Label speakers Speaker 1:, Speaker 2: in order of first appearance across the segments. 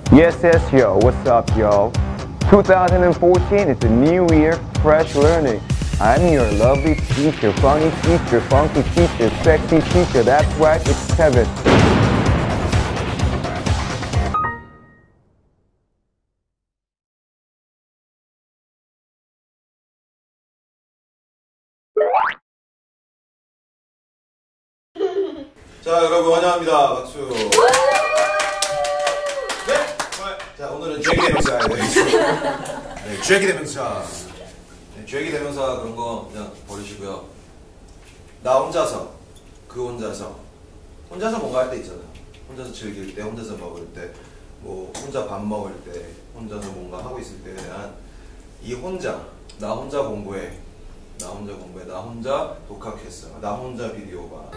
Speaker 1: Yes, yes, yo. What's up, yo? 2014 is a new year, fresh learning. I'm your lovely teacher, funny teacher, funky teacher, sexy teacher. That's right, it's Kevin.
Speaker 2: 자, 여러분 환영합니다. 박수. 네, 자, 오늘은 죄기 대명사에 대해서. 네, 죄기 대명사. 네, 죄기 대명사 그런 거 그냥 버리시고요. 나 혼자서, 그 혼자서, 혼자서 뭔가 할 때 있잖아요. 혼자서 즐길 때, 혼자서 먹을 때, 뭐 혼자 밥 먹을 때, 혼자서 뭔가 하고 있을 때에 대한 이 혼자, 나 혼자 공부해, 나 혼자 공부해, 나 혼자 독학했어, 나 혼자 비디오 봐.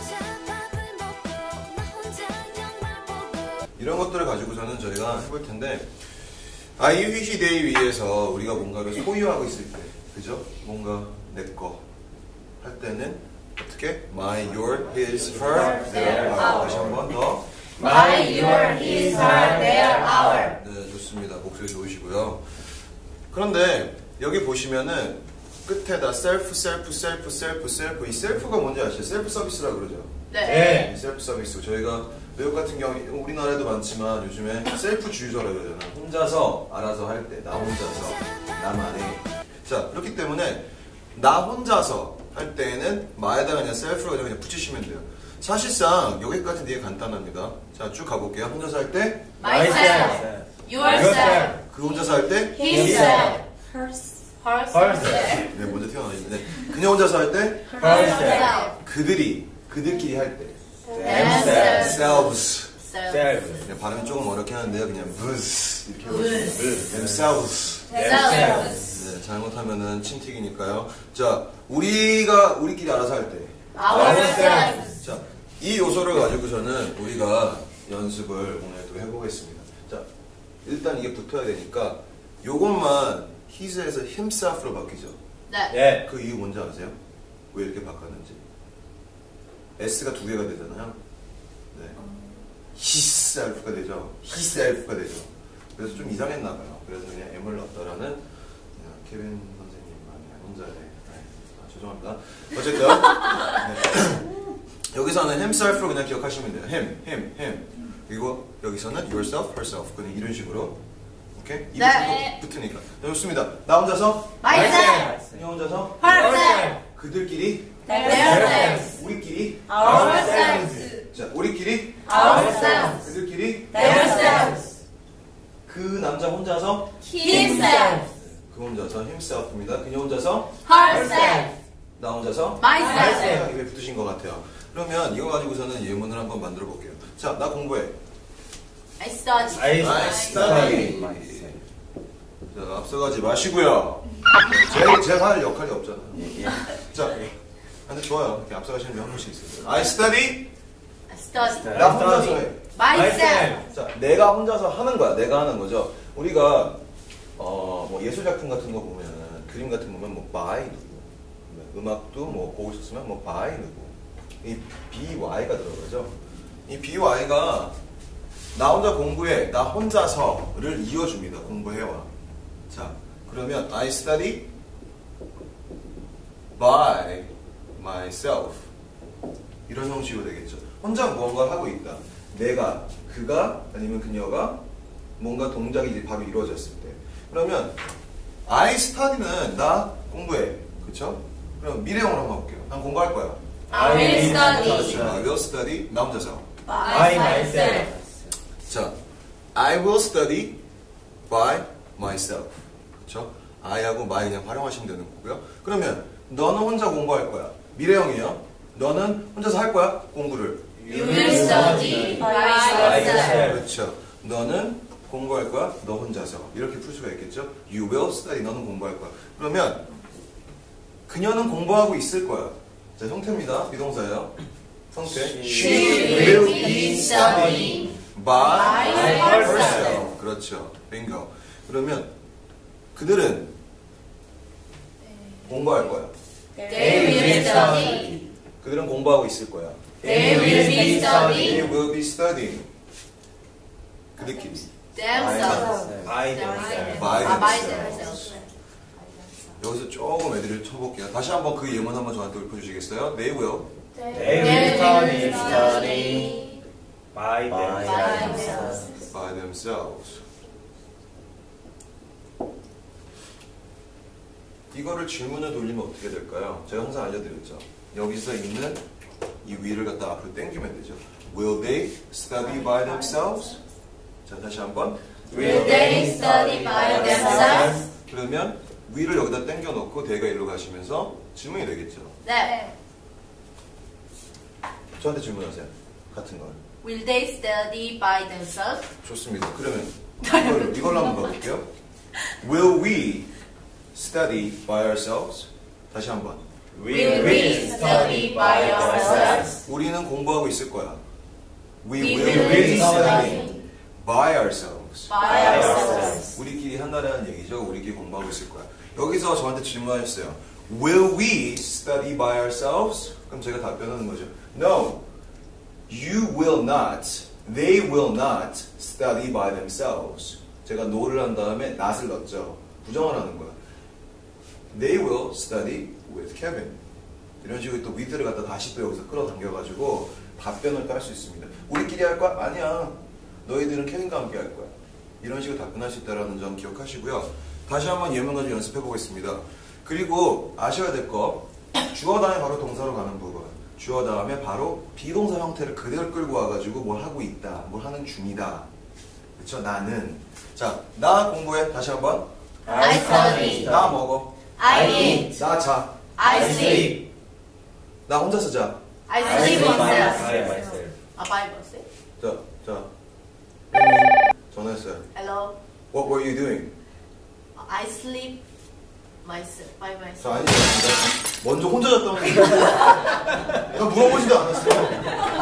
Speaker 2: 이런 것들을 가지고서는 저희가 해볼 텐데, 이 시대에 위해서 우리가 뭔가를 소유하고 있을 때, 그죠? 뭔가 내 거 할 때는 어떻게? My, your, his, her, their, our. 다시 한 번 더.
Speaker 3: My, your, his, her, their, our.
Speaker 2: 네, 좋습니다. 목소리 좋으시고요. 그런데 여기 보시면은 끝에다 self, self, self, self, self. 이 self가 뭔지 아시죠? self 서비스라 그러죠?
Speaker 3: 네.
Speaker 2: 셀프 서비스. 저희가 외국 같은 경우 우리나라에도 많지만 요즘에 셀프 주유소라고 그러잖아요. 혼자서 알아서 할 때, 나 혼자서, 나만의. 자, 그렇기 때문에 나 혼자서 할 때에는 마에다가 그냥 셀프로 그냥 붙이시면 돼요. 사실상 여기까지 되게 간단합니다. 자, 쭉 가볼게요. 혼자서 할 때
Speaker 3: Myself, yourself,
Speaker 2: 그 혼자서 할 때
Speaker 3: himself, herself,
Speaker 2: 네, 먼저 튀어나오는데 그냥 혼자서 할 때
Speaker 3: herself,
Speaker 2: 그들끼리 할 때
Speaker 3: themselves,
Speaker 2: themselves. 네, 발음이 조금 어렵긴 하는데요. 그냥 buzz 이렇게 해보시면 themselves. 네, 잘못하면은 침튀기니까요. 자, 우리끼리 알아서 할 때
Speaker 3: ourselves.
Speaker 2: 자, 이 요소를 가지고서는 우리가 연습을 오늘 또 해보겠습니다. 자, 일단 이게 붙어야 되니까 요것만 his에서 himself로 바뀌죠.
Speaker 3: 네.
Speaker 2: 그 이유 뭔지 아세요? 왜 이렇게 바꿨는지? S가 두 개가 되잖아요. 네. hisself가 되죠. hisself가 되죠. 그래서 좀 이상했나 봐요. 그래서 그냥 M을 넣었다라는 케빈 선생님만의 혼자의 죄송합니다. 어쨌든 네. 여기서는 himself로 그냥 기억하시면 돼요. him. 그리고 여기서는 yourself, herself. 그냥 이런 식으로. 오케이? 이
Speaker 3: 네.
Speaker 2: 붙으니까. 네, 좋습니다. 나 혼자서,
Speaker 3: Myself,
Speaker 2: 그냥 혼자서,
Speaker 3: herself,
Speaker 2: 그들끼리,
Speaker 3: themselves,
Speaker 2: 우리끼리,
Speaker 3: ourselves,
Speaker 2: 자, 우리끼리,
Speaker 3: ourselves,
Speaker 2: 그들끼리,
Speaker 3: themselves,
Speaker 2: 그 남자 혼자서,
Speaker 3: himself,
Speaker 2: 그 혼자서 himself입니다. 그녀 혼자서,
Speaker 3: herself,
Speaker 2: 나 혼자서,
Speaker 3: myself.
Speaker 2: 입에 붙으신 것 같아요. 그러면 이거 가지고서는 예문을 한번 만들어 볼게요. 자, 나 공부해.
Speaker 3: I study.
Speaker 2: I study. 자, 앞서가지 마시고요. 제가 할 역할이 없잖아요. 자, 근데 좋아요. 이렇게 앞서가시는 분 한 분씩 있어요. I study.
Speaker 3: I study.
Speaker 2: 나 혼자서 해.
Speaker 3: Myself.
Speaker 2: 자, 내가 혼자서 하는 거야. 내가 하는 거죠. 우리가 뭐 예술 작품 같은 거 보면은 그림 같은 거 보면 뭐 by 누구, 음악도 뭐 보고 싶으면 뭐 by 누구, 이 by가 들어가죠. 이 by가 나 혼자 공부해, 나 혼자서를 이어줍니다. 공부해와. 자, 그러면 I study by myself 이런 형식으로 되겠죠. 혼자 무언가를 하고 있다. 내가, 그가 아니면 그녀가 뭔가 동작이 이제 바로 이루어졌을 때. 그러면 I study는 나 공부해. 그쵸? 그럼 미래형으로 한번 볼게요. 난 공부할 거야.
Speaker 3: I will study.
Speaker 2: 자, I will study 나 혼자서.
Speaker 3: By myself.
Speaker 2: 자, I will study by myself. 그쵸? I하고 my 그냥 활용하시면 되는 거고요. 그러면 너는 혼자 공부할 거야. 미래형이에요. 너는 혼자서 할 거야. 공부를.
Speaker 3: You will study by yourself.
Speaker 2: 그렇죠. 너는 공부할 거야. 너 혼자서. 이렇게 풀 수가 있겠죠. You will study. 너는 공부할 거야. 그러면 그녀는 공부하고 있을 거야. 자, 형태입니다. 비동사예요. 형태.
Speaker 3: She will be studying
Speaker 2: by
Speaker 3: herself.
Speaker 2: herself. 그렇죠. 빙고. 그러면 그들은 공부할 거야.
Speaker 3: They will study.
Speaker 2: 그들은 공부하고 있을 거야.
Speaker 3: They will be
Speaker 2: They
Speaker 3: studying.
Speaker 2: will be studying. 그들끼리.
Speaker 3: themselves.
Speaker 4: By themselves.
Speaker 2: By
Speaker 3: by
Speaker 2: themselves.
Speaker 3: themselves.
Speaker 2: 여기서 조금 애들을 쳐볼게요. 다시 한번 그 예문 한번 저한테 읊어주시겠어요? They will
Speaker 4: They will study by themselves.
Speaker 2: by themselves. 이거를 질문을 돌리면 어떻게 될까요? 제가 항상 알려드렸죠. 여기서 있는 이 위를 갖다 앞으로 당기면 되죠. Will they study by themselves? 자, 다시 한번.
Speaker 3: Will they study by themselves?
Speaker 2: 그러면 위를 여기다 당겨놓고 대가 일로 가시면서 질문이 되겠죠.
Speaker 3: 네.
Speaker 2: 저한테 질문하세요. 같은 걸.
Speaker 3: Will they study by themselves?
Speaker 2: 좋습니다. 그러면 이걸로 한번 가볼게요. Will we study by ourselves? 다시 한번.
Speaker 3: Will we study by ourselves?
Speaker 2: 우리는 공부하고 있을 거야. We
Speaker 3: We
Speaker 2: will
Speaker 3: will
Speaker 2: be
Speaker 3: study
Speaker 2: studying by ourselves.
Speaker 3: by ourselves.
Speaker 2: 우리끼리 한다는 얘기죠. 우리끼리 공부하고 있을 거야. 여기서 저한테 질문하셨어요. Will we study by ourselves? 그럼 제가 답변하는 거죠. No. You will not. They will not study by themselves. 제가 no를 한 다음에 not을 넣었죠. 부정을 하는 거야. They will study with Kevin. 이런 식으로 또 with를 갖다 다시 또 여기서 끌어당겨가지고 답변을 또 할 수 있습니다. 우리끼리 할 거야? 아니야. 너희들은 케빈과 함께 할 거야. 이런 식으로 답변할 수 있다는 점 기억하시고요. 다시 한번 예문 가지고 연습해 보겠습니다. 그리고 아셔야 될 거, 주어 다음에 바로 동사로 가는 부분. 주어 다음에 바로 비동사 형태를 그대로 끌고 와가지고 뭘 하고 있다, 뭘 하는 중이다. 그쵸? 나는. 자, 나 공부해. 다시 한번.
Speaker 3: I study.
Speaker 2: 나 먹어.
Speaker 3: I eat.
Speaker 2: 나 자.
Speaker 3: I sleep.
Speaker 2: 나 혼자서 자.
Speaker 3: I sleep
Speaker 4: by
Speaker 3: myself.
Speaker 4: myself.
Speaker 3: 아, by myself?
Speaker 2: 자. 전화했어요.
Speaker 3: Hello.
Speaker 2: What were you doing?
Speaker 3: I sleep myself by
Speaker 2: 저
Speaker 3: myself.
Speaker 2: 아니죠. 먼저 혼자 잤다는 얘기. 내가 물어보지도 않았어요.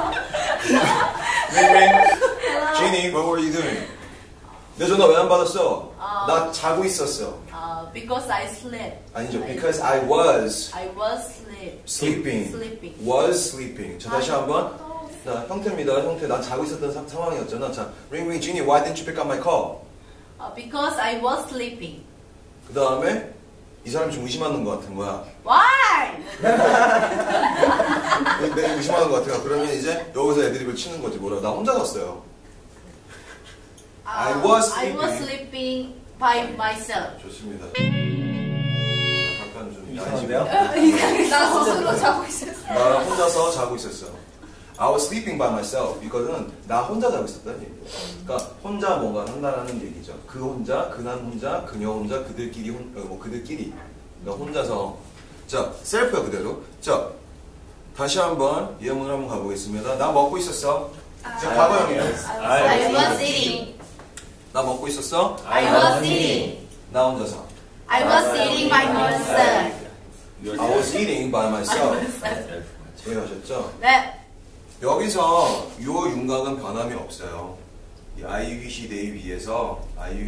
Speaker 2: Jeannie, what were you doing? 내 전화 왜 안 받았어? 나 자고 있었어.
Speaker 3: Because I slept.
Speaker 2: 아니죠. Because I was
Speaker 3: I was
Speaker 2: sleeping.
Speaker 3: Sleeping.
Speaker 2: Was sleeping. 자, 다시 한번. 자, 형태입니다. 형태. 난 자고 있었던 상황이었잖아. 자, ring, Jeannie, why didn't you pick up my call?
Speaker 3: Because I was sleeping.
Speaker 2: 그 다음에 이 사람이 좀 의심하는 것 같은 거야.
Speaker 3: Why?
Speaker 2: 내가 의심하는 것 같아요. 그러면 이제 여기서 애드립을 치는 거지. 뭐라고? 나 혼자 잤어요. I was
Speaker 3: sleeping by myself.
Speaker 2: 좋습니다. 약간 좀
Speaker 4: 이상한데요?
Speaker 3: 나 스스로 자고 있었어.
Speaker 2: 나 혼자서 자고 있었어. I was sleeping by myself. 이거는 나 혼자 자고 있었다는 얘기예요. 그러니까 혼자 뭔가 한다라는 얘기죠. 그 혼자, 그난 혼자, 그녀 혼자, 그들끼리 그들끼리. 그러니까 혼자서. 자, 셀프야 그대로. 자, 다시 한번 예문을 한번 가보겠습니다. 나 먹고 있었어. 자, 과거형이에요.
Speaker 3: I was eating.
Speaker 2: 나 먹고 있었어.
Speaker 3: I was eating.
Speaker 2: 나 혼자서.
Speaker 3: I was eating by myself.
Speaker 2: I was eating by myself. 이해하셨죠?
Speaker 3: 네.
Speaker 2: 여기서 요 윤곽은 변함이 없어요. 이 I, he, they 위에서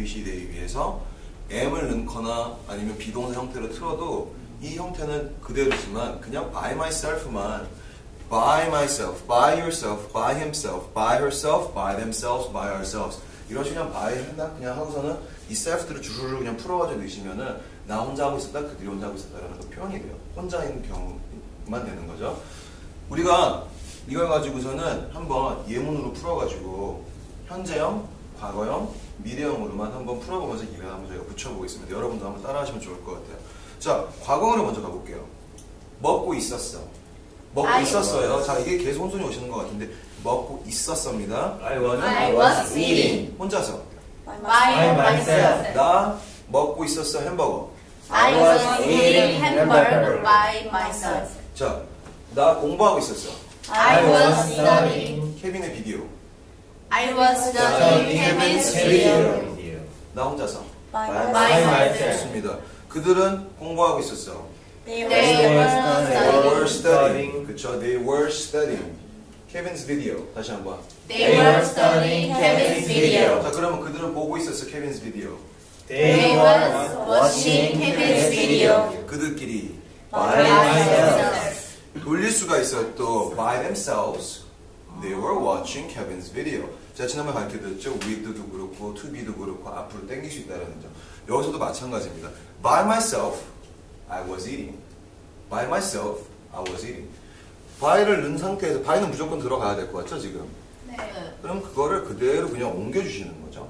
Speaker 2: am을 넣거나 아니면 비동사 형태로 틀어도 이 형태는 그대로지만 그냥 by myself만 by myself, by yourself, by himself, by herself, by themselves, by ourselves 이런 식으로 그냥 by 한다 그냥 하고서는 이 self들을 주르르 그냥 풀어가지고 넣으시면은 나 혼자 하고 있었다 그들이 혼자 하고 있었다라는 그 표현이 돼요. 혼자 있는 경우만 되는 거죠. 우리가 이걸 가지고서는 한번 예문으로 풀어가지고 현재형, 과거형, 미래형으로만 한번 풀어보면서 이걸 한번 저희가 붙여보겠습니다. 여러분도 한번 따라하시면 좋을 것 같아요. 자, 과거형으로 먼저 가볼게요. 먹고 있었어. 먹고 있었어요. 자, 이게 계속 혼선이 오시는 것 같은데 먹고 있었습니다.
Speaker 4: I
Speaker 3: was eating.
Speaker 2: 혼자서.
Speaker 3: By myself.
Speaker 2: 나 먹고 있었어. 햄버거.
Speaker 3: I was eating hamburger by myself.
Speaker 2: 자, 나 공부하고 있었어.
Speaker 3: I was studying.
Speaker 2: 케빈의 비디오.
Speaker 3: I was studying Kevin's video.
Speaker 2: 나 혼자서.
Speaker 3: By myself.
Speaker 2: 좋습니다. 그들은 공부하고 있었어.
Speaker 3: They
Speaker 2: They
Speaker 3: were
Speaker 2: were
Speaker 3: studying.
Speaker 2: studying. 그쵸? They were studying. Kevin's video. 다시 한번.
Speaker 3: They were studying Kevin's video.
Speaker 2: 자, 그러면 그들은 보고 있었어. Kevin's video.
Speaker 3: They were watching Kevin's video.
Speaker 2: 그들끼리.
Speaker 3: By themselves.
Speaker 2: 돌릴 수가 있어요. 또 by themselves. They were watching Kevin's video. 제가 지난번에 밝혀드렸죠. with도 그렇고 to be도 그렇고 앞으로 당길 수 있다는 점. 여기서도 마찬가지입니다. By myself, I was eating. By myself, I was eating. by를 넣은 상태에서 by는 무조건 들어가야 될 것 같죠 지금?
Speaker 3: 네.
Speaker 2: 그럼 그거를 그대로 그냥 옮겨주시는 거죠.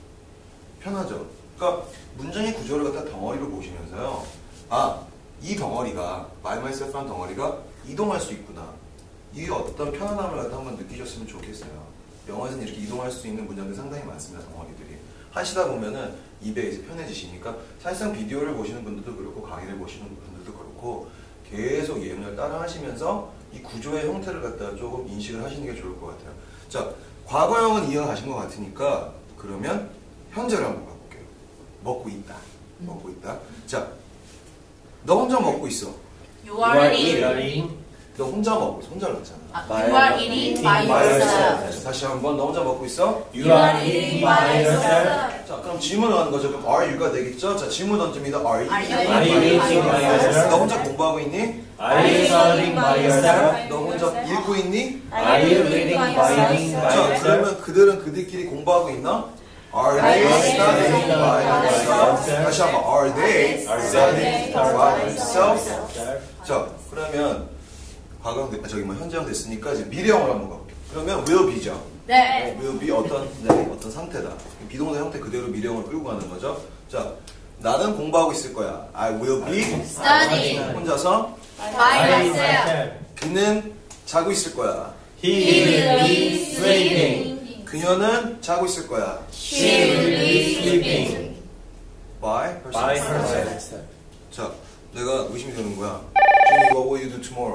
Speaker 2: 편하죠. 그러니까 문장의 구조를 갖다 덩어리로 보시면서요. 아, 이 덩어리가 by myself라는 덩어리가 이동할 수 있구나. 이 어떤 편안함을 갖다 한번 느끼셨으면 좋겠어요. 영어에서는 이렇게 이동할 수 있는 문장들이 상당히 많습니다. 덩어리들이. 하시다 보면은 입에 이제 편해지시니까 사실상 비디오를 보시는 분들도 그렇고 강의를 보시는 분들도 그렇고 계속 예문을 따라 하시면서 이 구조의 형태를 갖다가 조금 인식을 하시는 게 좋을 것 같아요. 자, 과거형은 이해가신 것 같으니까 그러면 현재를 한번 가볼게요. 먹고 있다. 먹고 있다. 자, 너 혼자 먹고 있어.
Speaker 3: You are eating.
Speaker 4: eating.
Speaker 2: 너 혼자 먹고 있어. 혼자를 넣잖아.
Speaker 3: You are eating by yourself.
Speaker 2: 다시 한번 너 혼자 먹고 있어.
Speaker 4: You are eating by yourself.
Speaker 2: 자, 그럼 질문을 하는 거죠. 그럼 are you가 되겠죠? 자, 질문 던집니다. Are you
Speaker 3: Are
Speaker 4: Are you eating by yourself?
Speaker 2: 너 혼자 공부하고 있니?
Speaker 4: Are you studying by yourself?
Speaker 2: 너 혼자 읽고 있니?
Speaker 4: Are you reading by
Speaker 2: 자,
Speaker 4: yourself?
Speaker 2: 그러면 그들은 그들끼리 공부하고 있나? Are they studying by themselves? 다시 한번 Are they studying by themselves? 자, 그러면 과거형 저기 뭐 현재형 됐으니까 이제 미래형으로 한번 가볼게요. 그러면 will be죠.
Speaker 3: 네.
Speaker 2: will be 어떤 상태다. 비동사 형태 그대로 미래형을 끌고 가는 거죠. 자, 나는 공부하고 있을 거야. I will be
Speaker 3: Studying
Speaker 2: 혼자서.
Speaker 3: by myself.
Speaker 2: 그는 자고 있을 거야.
Speaker 4: He will be sleeping.
Speaker 2: 그녀는 자고 있을 거야.
Speaker 3: She will be sleeping.
Speaker 2: By herself.
Speaker 4: By herself.
Speaker 2: 자, 내가 의심이 되는 거야. Jenny, what will you do tomorrow?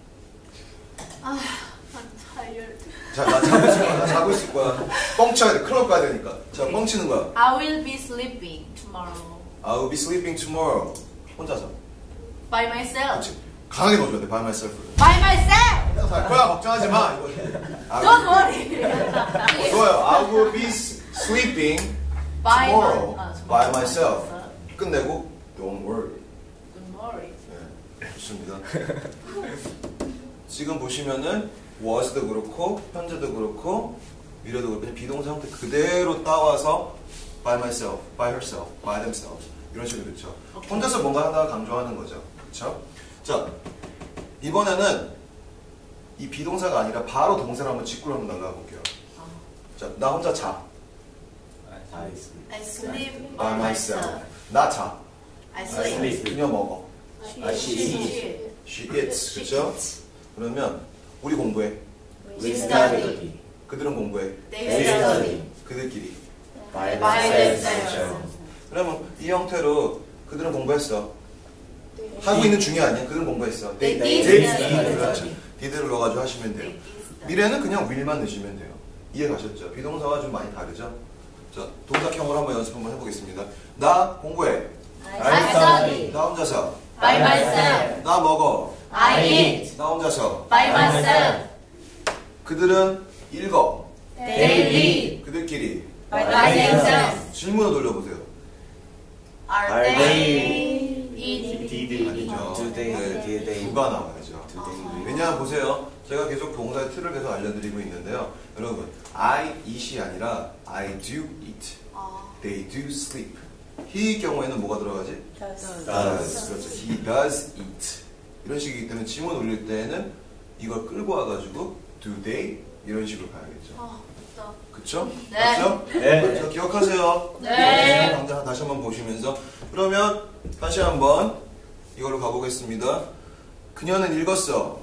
Speaker 3: I'm tired.
Speaker 2: 자, 나 자고 있을 거야. 나 자고 있을 거야. 뻥쳐야 돼. 클럽 가야 되니까. 자, 뻥치는 거야.
Speaker 3: I will be sleeping tomorrow.
Speaker 2: I will be sleeping tomorrow. 혼자서.
Speaker 3: By myself.
Speaker 2: 그렇지. 강하게 넣어줘야 돼. By myself.
Speaker 3: By myself.
Speaker 2: 내가 갈 거야. 걱정하지 마. 이거.
Speaker 3: Don't worry.
Speaker 2: 좋아요. I will be sleeping tomorrow by myself. 끝내고 don't worry.
Speaker 3: Don't worry.
Speaker 2: 네, 좋습니다. 지금 보시면은 was도 그렇고 현재도 그렇고 미래도 그렇고 그냥 비동사 형태 그대로 따와서 by myself, by herself, by themselves 이런 식으로 그렇죠. 혼자서 뭔가 하나 강조하는 거죠. 그렇죠? 자, 이번에는 이 비동사가 아니라 바로 동사를 한번 직구로 한번 나가 볼게요. 자, 나 혼자 자.
Speaker 3: I sleep
Speaker 2: by myself. 나 자.
Speaker 3: I sleep.
Speaker 2: 그녀 먹어.
Speaker 4: She eats.
Speaker 2: She eats. 그렇죠? 그러면 우리 공부해.
Speaker 3: We study.
Speaker 2: 그들은 공부해.
Speaker 3: They study.
Speaker 2: 그들끼리.
Speaker 4: By
Speaker 3: By
Speaker 4: themselves.
Speaker 3: themselves.
Speaker 2: 그러면 이 형태로 그들은 공부했어. 하고 있는 중이 아니야. 그들은 공부했어.
Speaker 3: They
Speaker 2: did
Speaker 3: did
Speaker 2: study. 그렇죠.
Speaker 3: study.
Speaker 2: did를 넣어가지고 하시면 돼요. 미래는 그냥 will만 넣으시면 돼요. 이해 가셨죠? 비동사와 좀 많이 다르죠? 자, 동작형으로 한번 연습 한번 해보겠습니다. 나 공부해.
Speaker 3: I study.
Speaker 2: 나 혼자서.
Speaker 3: By myself.
Speaker 2: 나 먹어.
Speaker 3: I eat.
Speaker 2: 나 혼자서.
Speaker 3: By myself.
Speaker 2: 그들은 읽어.
Speaker 3: They read.
Speaker 2: 그들끼리.
Speaker 3: By themselves.
Speaker 2: 질문을 돌려보세요.
Speaker 3: Are they eating?
Speaker 4: Did.
Speaker 2: 아니죠.
Speaker 5: Do they,
Speaker 2: 네,
Speaker 5: did they.
Speaker 2: 누가 나와야죠.
Speaker 5: Do they.
Speaker 2: 왜냐하면 보세요. 제가 계속 동사의 틀을 계속 알려드리고 있는데요. 여러분, I eat이 아니라 I do eat. They do sleep. he의 경우에는 뭐가 들어가지?
Speaker 4: Does.
Speaker 2: 그렇죠. He does eat. 이런 식이기 때문에 질문 올릴 때는 이걸 끌고 와가지고 do they 이런 식으로 가야겠죠. 그쵸?
Speaker 3: 네.
Speaker 2: 맞죠?
Speaker 4: 네.
Speaker 2: 맞죠? 기억하세요.
Speaker 3: 네.
Speaker 2: 당장 다시 한번 보시면서 그러면 다시 한번 이걸로 가보겠습니다. 그녀는 읽었어.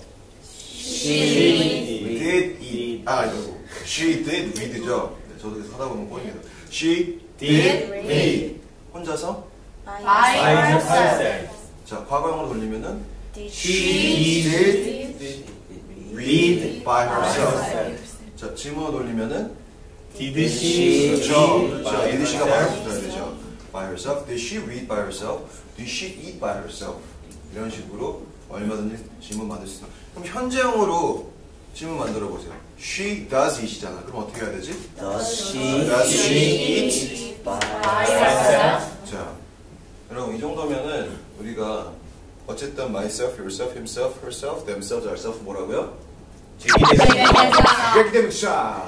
Speaker 3: She
Speaker 2: did eat. 아, 이거 she did read죠. 네, 저도 계속 하다 보면 꼬입니다. She
Speaker 4: Did
Speaker 2: read. 혼자서?
Speaker 3: by herself.
Speaker 2: 자, 과거형으로 돌리면은
Speaker 4: She
Speaker 2: did read by herself. 자, 질문으로 돌리면은
Speaker 4: Did she
Speaker 2: 그렇죠.
Speaker 4: read
Speaker 2: 그렇죠.
Speaker 4: by
Speaker 2: did she가 바로
Speaker 4: herself?
Speaker 2: 붙어야 되죠. by herself. Did she read by herself? Did she eat by herself? 이런 식으로 얼마든지 질문 만들 수 있어요. 그럼 현재형으로 질문 만들어 보세요. She does eat이잖아. 그럼 어떻게 해야 되지?
Speaker 5: Does she
Speaker 2: Does she
Speaker 5: eat by
Speaker 3: herself?
Speaker 2: 자, 여러분 이 정도면은 우리가 어쨌든 myself, yourself, himself, herself, themselves, ourselves 뭐라고요? 제기대명사.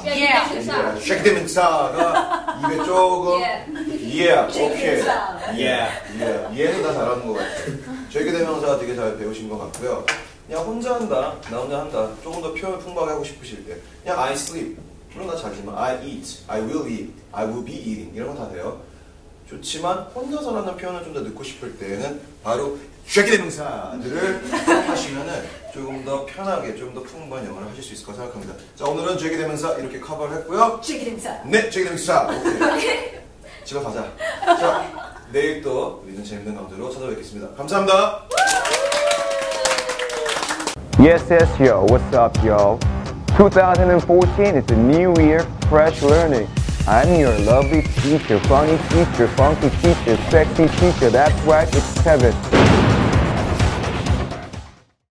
Speaker 2: 제기대명사가 입에 조금 오케이. 얘는 다 잘하는 것 같아요. 제기대명사 되게 잘 배우신 것 같고요. 그냥 혼자 한다, 나 혼자 한다. 조금 더 표현 풍부하게 하고 싶으실 때 그냥 I sleep. 물론 나 자지만 I eat, I will eat, I will be eating 이런 거 다 돼요. 좋지만 혼자서라는 표현을 좀 더 넣고 싶을 때는 바로 제기대명사들을 하시면은 조금 더 편하게, 조금 더 풍부한 영어를 하실 수 있을 거라 생각합니다. 자, 오늘은 제기대명사 이렇게 커버를 했고요. 네, 제기대명사. 오케이. 집에 가자. 자, 내일 또 우리는 재밌는 강좌로 찾아뵙겠습니다. 감사합니다.
Speaker 1: Yes, yo. What's up, yo? 2014, it's a new year, fresh learning. I'm your lovely teacher, funny teacher, funky teacher, sexy teacher. That's right, it's Kevin.